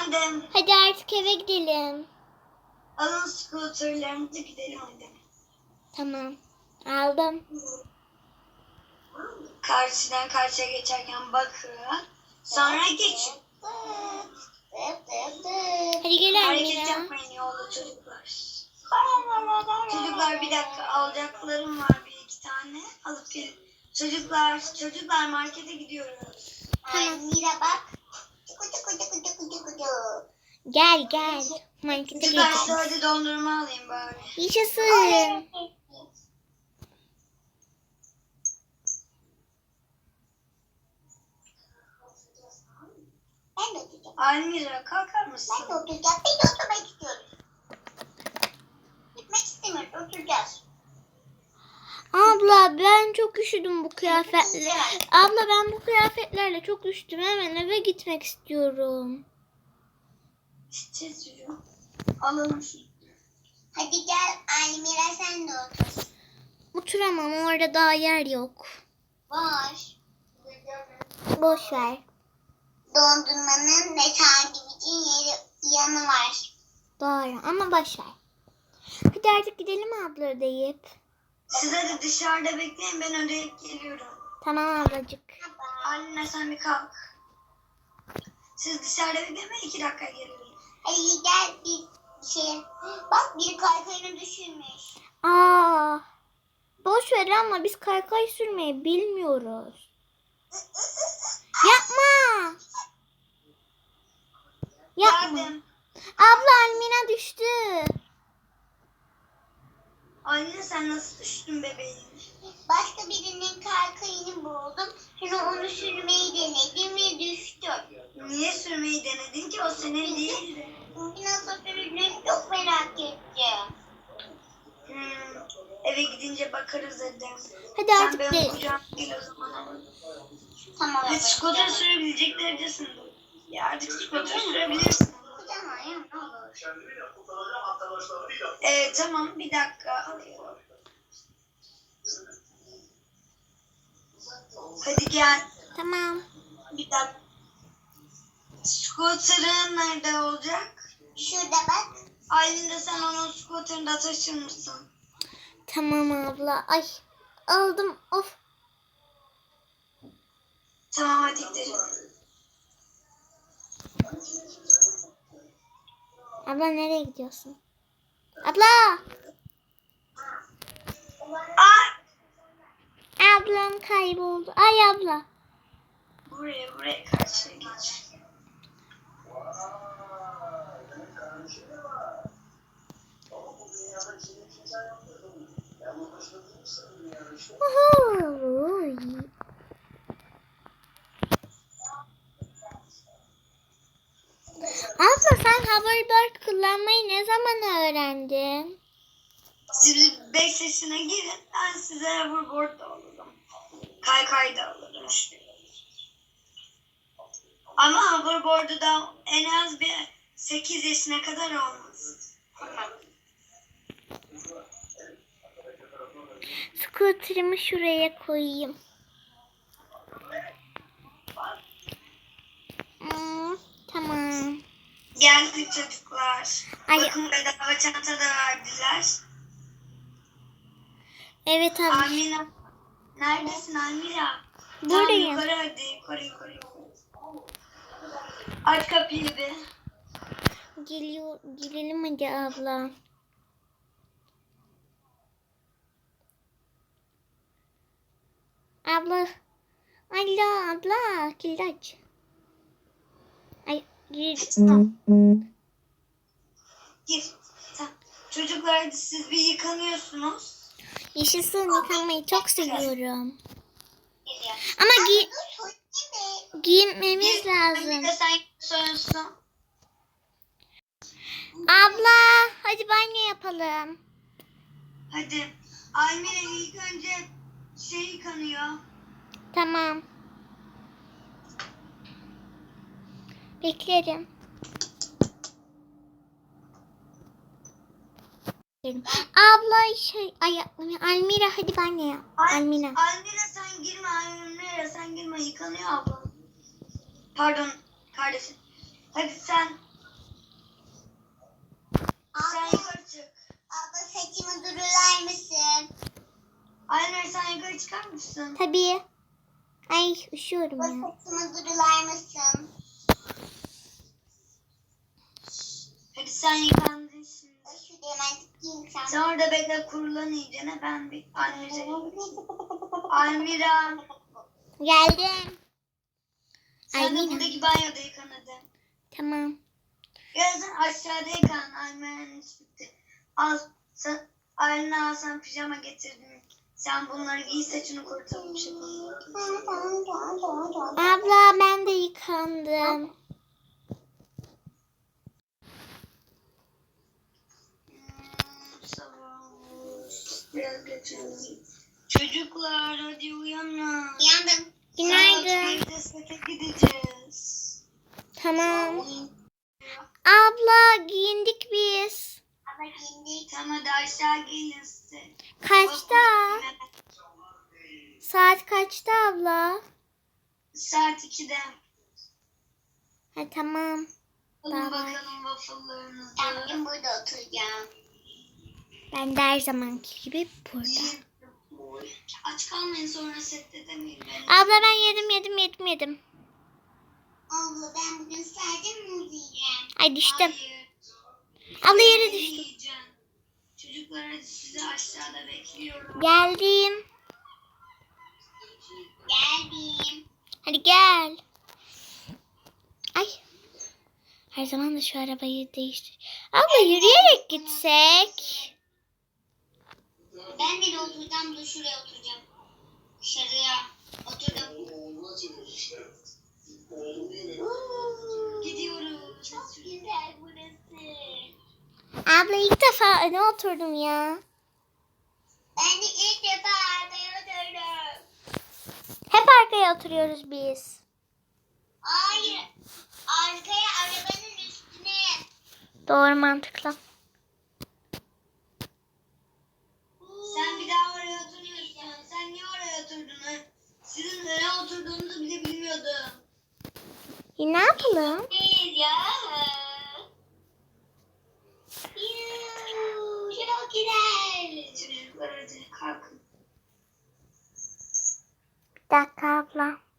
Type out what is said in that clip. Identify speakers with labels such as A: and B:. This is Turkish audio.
A: Efendim.
B: Hadi artık eve gidelim.
A: Alın scooterlarımızı gidelim hadi.
B: Tamam. Aldım.
A: Karşıdan karşıya geçerken bakın. Sonra geçin.
B: Hadi gel
A: Hareket
B: Almira.
A: yapmayın yolda çocuklar. Çocuklar bir dakika alacaklarım var bir iki tane. Alıp gelin. Çocuklar markete gidiyoruz.
C: Mira bak.
B: Gel. Markete
A: Çocuklar size
B: gidelim.
A: hadi dondurma alayım bari.
B: Yaşasın.
C: Ben de oturacağım.
A: Almira kalkar mısın?
C: Ben de oturacağım. Biz de oturmak istiyoruz. Gitmek istemiyoruz. Oturacağız.
B: Abla ben çok üşüdüm bu kıyafetle. Abla ben bu kıyafetlerle çok üşüdüm. Hemen eve gitmek istiyorum.
A: İşte çocuğum. Alalım şunu.
C: Hadi gel Almira sen de otur.
B: Oturamam, orada daha yer yok.
C: Var.
B: Boş ver.
C: Dondurmanın ve sandviçin yanı var.
B: Doğru ama boş ver. Hadi artık gidelim abla deyip.
A: Siz hadi dışarıda bekleyin ben ödeyip geliyorum.
B: Tamam ablacık.
A: Anne sen bir kalk. Siz dışarıda beklemeyin 2 dakika geliyorum.
C: Hadi gel bir şey. Bak biri kaykayını düşürmüş.
B: Aa, boş ver ama biz kaykay sürmeyi bilmiyoruz. Yapma.
A: Geldim.
B: Abla Almina düştü.
A: Anne sen nasıl düştün bebeğim?
C: Başka birinin kaykayını buldum. Sonra onu sürmeyi denedim ve düştüm.
A: Niye sürmeyi denedin ki o senin değildi.
C: Nasıl sürüldüğünü çok merak ettim.
A: Eve gidince bakarız dedim.
B: Hadi
A: Sen
B: artık
A: benim
B: değil.
A: kucağıma gel o zaman.
C: Tamam.
A: Hadi scooter sürebilecek derecesin. Ya artık scooter sürebilirsin.
C: Kucağıma ya ne olur.
A: Tamam bir dakika alıyorum. Hadi gel.
B: Tamam.
A: Bir dakika. Scooter'ın nerede olacak?
C: Şurada bak.
A: Aylin sen onun scooter'ında taşır mısın?
B: Tamam abla. Ay aldım. Of.
A: Tamam hadi gidelim.
B: Abla nereye gidiyorsun? Abla.
A: Ay!
B: Ablam kayboldu. Ay abla.
A: Buraya karşıya geç.
B: Uhu. Abla sen hoverboard kullanmayı ne zaman öğrendin?
A: Siz 5 yaşına girin ben size hoverboard da alırım. Kaykay da alırım. Ama hoverboard'u da en az bir 8 yaşına kadar olmaz.
B: Scooter'ımı şuraya koyayım. Tamam.
A: Geldik çocuklar.
B: Ay.
A: Bakın bedava çanta da verdiler.
B: Evet abla.
A: Almira. Neredesin Almira?
B: Buradayım.
A: Tamam, yukarı hadi. Yukarı. Aç kapıyı bir.
B: Gelelim hadi abla. Abla. Abla. Kilidi aç. Ay gir.
A: Gir. Tamam. Çocuklar hadi siz bir yıkanıyorsunuz.
B: Yaşasın, yıkanmayı çok seviyorum.
C: Geliyor.
B: Ama
C: Dur soyayım
B: giyinmemiz
A: Bir
B: lazım.
A: de sen soyunsun.
B: Abla hadi banyo yapalım.
A: Hadi. Almira ilk önce yıkanıyor.
B: Tamam. Beklerim. Abla Almira hadi banyo yap. Almira.
A: Almira sen girme. Almira sen girme. Yıkanıyor abla. Pardon kardeşim. Hadi sen Sen yukarı çık.
C: Abla saçımı durular mısın?
A: Almer sen yukarı çıkar mısın?
B: Tabii. Ay üşüyorum
C: Abla
B: ya.
C: saçımı durular mısın?
A: Hadi sen yıkandın şimdi.
C: Şurada hemen gideyim sen.
A: Sen orada bekle kurulan iyicene ben bir Almira.
B: Geldim.
A: Sen de
B: Almira.
A: buradaki banyoda yıkan hadi.
B: Tamam.
A: Ya sen aşağıda yıkan Almira'nın iş bitti. Al sen Alina al sen pijama getirdin. Sen bunları giy saçını kurutalım şey yapalım.
B: Abla ben de yıkandım.
A: Sabah biraz geçelim. Çocuklar hadi uyanın.
C: Yandım.
B: Günaydın.
A: Saat 1'de sete gideceğiz.
B: Tamam. Abla giyindik biz.
C: Abla giyindik.
A: Tamam hadi aşağı gelin size.
B: Kaçta? Saat kaçta abla?
A: Saat 2'de.
B: Ha tamam.
A: Alın
B: Bye bye.
A: bakalım waffle'larınızı.
C: Ben bugün burada oturacağım.
B: Ben de her zamanki gibi burada.
A: Aç kalmayın sonra sette demeyin beni.
B: Abla ben yedim.
C: Abla ben bugün sadece muz yiyeceğim.
B: Ay düştüm.
A: Hayır.
B: Abla yere
A: Beni
B: düştüm.
A: yiyeceğim. Çocuklar hadi sizi aşağıda bekliyorum.
B: Geldim.
C: Geldim.
B: Hadi gel. Ay. Her zaman da şu arabayı değiştir. Abla yürüyerek gitsek.
C: Ben de oturacağım da şuraya oturacağım. Dışarıya oturdum.
A: Gidiyoruz.
C: Çok güzel burası.
B: Abla ilk defa öne oturdum ya.
C: Ben de ilk defa arkaya oturdum.
B: Hep arkaya oturuyoruz biz.
C: Hayır. Arkaya arabanın üstüne.
B: Doğru mantıklı.
A: Sen bir daha oraya oturmuyorsun. Sen niye oraya oturdun? Ha? Sizin nereye oturduğunuzu bile bilmiyordum.
B: Ne yapalım?
C: Değil ya. Yuuu, çok güzel.
A: Çocuklar hadi kalkın.
B: Bir dakika abla.